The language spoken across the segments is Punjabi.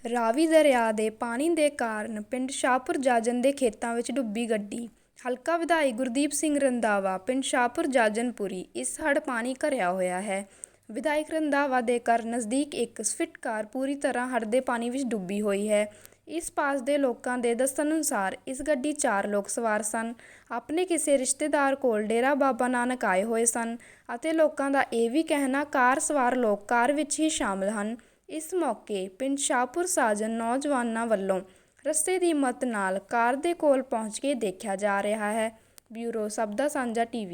ਰਾਵੀ ਦਰਿਆ ਦੇ ਪਾਣੀ ਦੇ ਕਾਰਨ ਪਿੰਡ ਸ਼ਾਹਪੁਰ ਜਾਜਨ ਦੇ ਖੇਤਾਂ ਵਿੱਚ ਡੁੱਬੀ ਗੱਡੀ। ਹਲਕਾ ਵਿਧਾਇਕ ਗੁਰਦੀਪ ਸਿੰਘ ਰੰਧਾਵਾ ਪਿੰਡ ਸ਼ਾਹਪੁਰ ਜਾਜਨਪੁਰੀ ਇਸ ਹੜ੍ਹ ਪਾਣੀ ਘਿਰਿਆ ਹੋਇਆ ਹੈ। ਵਿਧਾਇਕ ਰੰਧਾਵਾ ਦੇ ਘਰ ਨਜ਼ਦੀਕ ਇੱਕ ਸਵਿਫਟ ਕਾਰ ਪੂਰੀ ਤਰ੍ਹਾਂ ਹੜ੍ਹ ਦੇ ਪਾਣੀ ਵਿੱਚ ਡੁੱਬੀ ਹੋਈ ਹੈ। ਇਸ ਪਾਸ ਦੇ ਲੋਕਾਂ ਦੇ ਦੱਸਣ ਅਨੁਸਾਰ ਇਸ ਗੱਡੀ 4 ਲੋਕ ਸਵਾਰ ਸਨ। ਆਪਣੇ ਕਿਸੇ ਰਿਸ਼ਤੇਦਾਰ ਕੋਲ ਡੇਰਾ ਬਾਬਾ ਨਾਨਕ ਆਏ ਹੋਏ ਸਨ ਅਤੇ ਲੋਕਾਂ ਦਾ ਇਹ ਵੀ ਕਹਿਣਾ ਕਾਰ ਸਵਾਰ ਲੋਕ ਕਾਰ ਵਿੱਚ ਹੀ ਸ਼ਾਮਲ ਹਨ। ਇਸ ਮੌਕੇ ਪਿੰਡ ਸ਼ਾਹਪੁਰ ਸਾਜਨ ਨੌਜਵਾਨਾਂ ਵੱਲੋਂ ਰਸਤੇ ਦੀ ਮਦਦ ਨਾਲ ਕਾਰ ਦੇ ਕੋਲ ਪਹੁੰਚ ਕੇ ਦੇਖਿਆ ਜਾ ਰਿਹਾ ਹੈ। ਬਿਊਰੋ ਸਭ ਦਾ ਸਾਂਝਾ ਟੀਵੀ।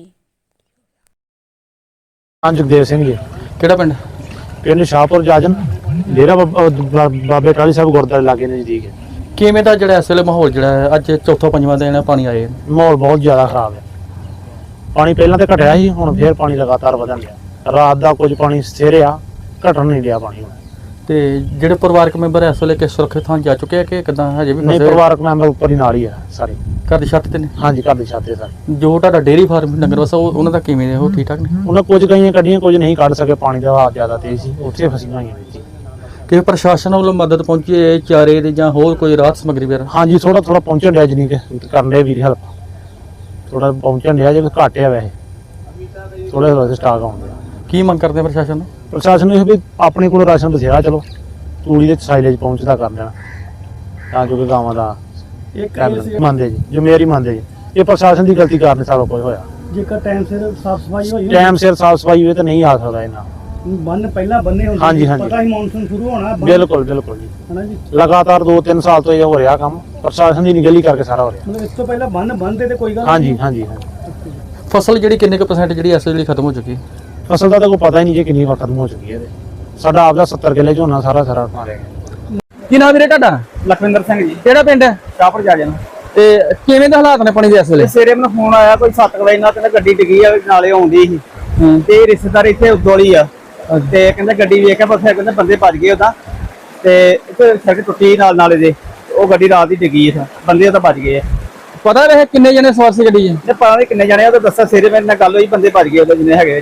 ਜਗਦੇਵ ਸਿੰਘ ਜੀ। ਕਿਹੜਾ ਪਿੰਡ? ਪਿੰਡ ਸ਼ਾਹਪੁਰ ਜਾਜਨ, ਡੇਰਾ ਬਾਬੇ ਟਾਹਲੀ ਸਾਹਿਬ ਗੁਰਦੁਆਰੇ ਲਾਗੇ ਨਜ਼ਦੀਕ ਹੈ। ਕਿਵੇਂ ਦਾ ਜਿਹੜਾ ਇਸ ਵੇਲੇ ਮਾਹੌਲ ਜਿਹੜਾ ਹੈ ਅੱਜ ਚੌਥਾ ਪੰਜਵਾਂ ਦਿਨ ਪਾਣੀ ਆਏ? ਮਾਹੌਲ ਬਹੁਤ ਜ਼ਿਆਦਾ ਖਰਾਬ ਹੈ। ਪਾਣੀ ਪਹਿਲਾਂ ਤਾਂ ਘਟਿਆ ਸੀ, ਹੁਣ ਫੇਰ ਪਾਣੀ ਲਗਾਤਾਰ ਵਧਣ ਲਿਆ। ਰਾਤ ਦਾ ਕੁਝ ਪਾਣੀ ਸਥਿਰ ਆ, ਘਟਣ ਨਹੀਂ ਲਿਆ ਪਾਣੀ ਹੁਣ। ਤੇ ਜਿਹੜੇ ਪਰਿਵਾਰਕ ਮੈਂਬਰ ਇਸ ਵੇਲੇ ਕਿਸ ਸੁਰੱਖਿਅਤ ਥਾਂ ਜਾ ਚੁੱਕੇ ਆ ਕਿ ਕਿੱਦਾਂ ਹਜੇ ਵੀ ਨਹੀਂ, ਪਰਿਵਾਰਕ ਮੈਂਬਰ ਉੱਪਰ ਹੀ ਨਾਲ ਹੀ ਆ ਸਾਰੇ। ਘਰ ਦੀ ਛੱਤ ਤੇ ਨੇ? ਹਾਂਜੀ, ਘਰ ਦੀ ਛੱਤ ਤੇ ਸਾਰੇ। ਜੋ ਤੁਹਾਡਾ ਡੇਅਰੀ ਫਾਰਮ ਡੰਗਰ ਵਸਾ ਉਹਨਾਂ ਦਾ ਕਿਵੇਂ ਨੇ? ਉਹ ਠੀਕ ਠਾਕ ਨੇ? ਉਹਨਾਂ ਕੁਝ ਕਈਆਂ ਕੱਢੀਆਂ, ਕੁਝ ਨਹੀਂ ਕੱਢ ਸਕੇ, ਪਾਣੀ ਦਾ ਵਹਾਅ ਜ਼ਿਆਦਾ ਤੇਜ਼ ਸੀ, ਉੱਥੇ ਫਸੀਆਂ ਹੋਈਆਂ ਵਿੱਚ। ਕਿ ਪ੍ਰਸ਼ਾਸਨ ਵੱਲੋਂ ਮਦਦ ਪਹੁੰਚੀ ਹੈ ਚਾਰੇ ਦੀ ਜਾਂ ਹੋਰ ਕੋਈ ਰਾਹਤ ਸਮੱਗਰੀ ਵਗੈਰਾ? ਹਾਂਜੀ, ਥੋੜਾ ਪਹੁੰਚਣ ਡਿਆ, ਜਨੀ ਕਿ ਕਰਨ ਦੇ ਵੀਰ ਹੈਲਪ ਥੋੜਾ ਪਹੁੰਚਣ ਡਿਆ, ਜੇ ਘੱਟ ਆ ਵੈਸੇ ਥੋੜੇ ਥੋੜੇ ਸਟਾਕ ਆਉਂਦੇ ਆ। ਕੀ ਮੰਗ ਕਰਦੇ ਪ੍ਰਸ਼ਾਸਨ ਨੂੰ? ਪ੍ਰਸ਼ਾਸਨ ਨੂੰ ਇਹ ਵੀ ਆਪਣੇ ਕੋਲ ਰਾਸ਼ਨ ਬਥੇਰਾ, ਚਲੋ ਤੂੜੀ ਦੇ ਸਾਈਲੇਜ ਪਹੁੰਚਦਾ ਕਰ ਦੇਣਾ ਤਾਂ ਜੋ ਕਿ ਗਾਵਾਂ ਦਾ ਮੰਨਦੇ ਜੀ, ਜ਼ਿੰਮੇਵਾਰੀ ਮੰਨਦੇ ਜੀ। ਇਹ ਪ੍ਰਸ਼ਾਸਨ ਦੀ ਗਲਤੀ ਕਾਰਨ ਸਾਰਾ ਕੁਝ ਹੋਇਆ। ਜੇਕਰ ਟਾਈਮ ਸਿਰ ਸਾਫ ਸਫਾਈ ਹੋਈ, ਟਾਈਮ ਸਿਰ ਸਾਫ ਸਫਾਈ ਹੋਵੇ ਤਾਂ ਨਹੀਂ ਆ ਸਕਦਾ ਇਹਨਾਂ। ਬੰਨ ਪਹਿਲਾਂ ਬੰਨੇ ਹੁੰਦੇ, ਹਾਂਜੀ, ਹਾਂਜੀ। ਪਤਾ ਹੀ ਮੌਨਸੂਨ ਸ਼ੁਰੂ ਹੋਣਾ। ਬਿਲਕੁਲ ਬਿਲਕੁਲ ਜੀ, ਹਨਾ ਜੀ। ਲਗਾਤਾਰ 2-3 ਸਾਲ ਤੋਂ ਇਹ ਹੋ ਰਿਹਾ ਕੰਮ, ਪ੍ਰਸ਼ਾਸਨ ਦੀ ਨਿਗਲੀ ਕਰਕੇ ਸਾਰਾ ਹੋ ਰਿਹਾ। ਮਤਲਬ ਇਸ ਤੋਂ ਪਹਿਲਾਂ ਬੰਨ ਬੰਨਦੇ ਤੇ ਕੋਈ ਗੱਲ ਹਾਂਜੀ ਹਾਂਜੀ ਹਾਂਜੀ। ਫਸਲ ਜਿਹੜੀ ਕਿੰਨੇ ਕੁ % ਜਿਹੜੀ ਇਸ ਵੇਲੇ ਖਤਮ ਹੋ ਚੁੱਕੀ ਹੈ? ਫਸਲ ਦਾ ਤਾਂ ਕੋਈ ਪਤਾ ਹੀ ਨਹੀਂ ਜੀ ਕਿੰਨੀ ਵਾਰ ਖਤਮ ਹੋ ਚੁੱਕੀ ਹੈ। ਸਾਡਾ ਆਪਦਾ 70 ਕਿੱਲੇ ਝੋਨਾ ਸਾਰਾ ਮਾਰਿਆ ਗਿਆ। ਕੀ ਨਾਮ ਵੀਰੇ ਤੁਹਾਡਾ? ਲਖਵਿੰਦਰ ਸਿੰਘ ਜੀ, ਕਿਹੜਾ ਪਿੰਡ ਹੈ? ਸ਼ਾਹਪੁਰ ਜਾਜਨ। ਤੇ ਕਿਵੇਂ ਦੇ ਹਾਲਾਤ ਨੇ ਪਾਣੀ ਦੇ ਇਸ ਵੇਲੇ? ਸਵੇਰੇ ਮੈਨੂੰ ਫੋਨ ਆਇਆ ਕੋਈ 7 ਵਜੇ ਨਾਲ, ਕਹਿੰਦਾ ਗੱਡੀ ਡਿੱਗੀ ਆ, ਨਾਲੇ ਆਉਂਦੀ ਸੀ ਤੇ ਰਿਸ਼ਤੇਦਾਰ ਇੱਥੇ ਉਦੋਲੀ ਆ ਤੇ ਕਹਿੰਦਾ ਗੱਡੀ ਵੇਖ ਕੇ ਬਸੇ, ਕਹਿੰਦੇ ਬੰਦੇ ਭੱਜ ਗਏ ਉਹਦਾ ਤੇ ਇੱਥੇ ਸੜਕ ਟੁੱਟੀ ਨਾਲ ਨਾਲੇ ਦੇ, ਉਹ ਗੱਡੀ ਰਾਤ ਦੀ ਡਿੱਗੀ ਆ, ਬੰਦੇ ਤਾਂ ਭੱਜ ਗਏ ਆ। ਪਤਾ ਰਹੇ ਕਿੰਨੇ ਜਣੇ ਸਵਾਰ ਸੀ ਗੱਡੀ 'ਚ? ਤੇ ਪਤਾ ਨਹੀਂ ਕਿੰਨੇ ਜਾਣੇ ਆ, ਉਹ ਤਾਂ ਦੱਸਿਆ ਸਵੇਰੇ ਮੇਰੇ ਨਾਲ ਗੱਲ ਹੋਈ, ਬੰਦੇ ਭੱਜ ਗਏ ਉਹਦੇ ਜਿੰਨੇ ਹੈਗੇ।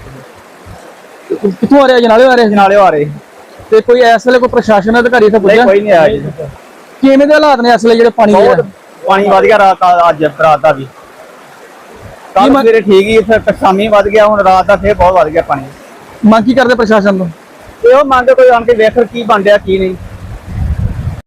ਕਿੱਥੋਂ ਆ ਰਿਹਾ? ਜਨਾਲੇ ਆ ਰਹੇ? ਜਨਾਲੇ ਆ ਰਹੇ। ਤੇ ਕੋਈ ਇਸ ਵੇਲੇ ਕੋਈ ਪ੍ਰਸ਼ਾਸਨ ਅਧਿਕਾਰੀ ਇੱਥੇ ਪੁੱਜਿਆ? ਕੋਈ ਨਹੀਂ ਆਇਆ ਜੀ। ਕਿਵੇਂ ਦੇ ਹਾਲਾਤ ਨੇ ਇਸ ਵੇਲੇ ਜਿਹੜੇ ਪਾਣੀ ਦੇ? ਬਹੁਤ ਪਾਣੀ ਵਧ ਗਿਆ ਰਾਤ ਦਾ, ਅੱਜ ਰਾਤ ਦਾ ਵੀ। ਕੱਲ ਸਵੇਰੇ ਠੀਕ ਹੀ, ਫਿਰ ਸ਼ਾਮੀ ਵਧ ਗਿਆ, ਹੁਣ ਰਾਤ ਦਾ ਫੇਰ ਬਹੁਤ ਵਧ ਗਿਆ ਪਾਣੀ। ਮੰਗ ਕੀ ਕਰਦੇ ਪ੍ਰਸ਼ਾਸਨ ਤੋਂ? ਇਹੋ ਮੰਗ ਕੋਈ ਆਣ ਕੇ ਵੇਖ ਕੀ ਬਣ ਰਿਹਾ ਕੀ ਨਹੀਂ।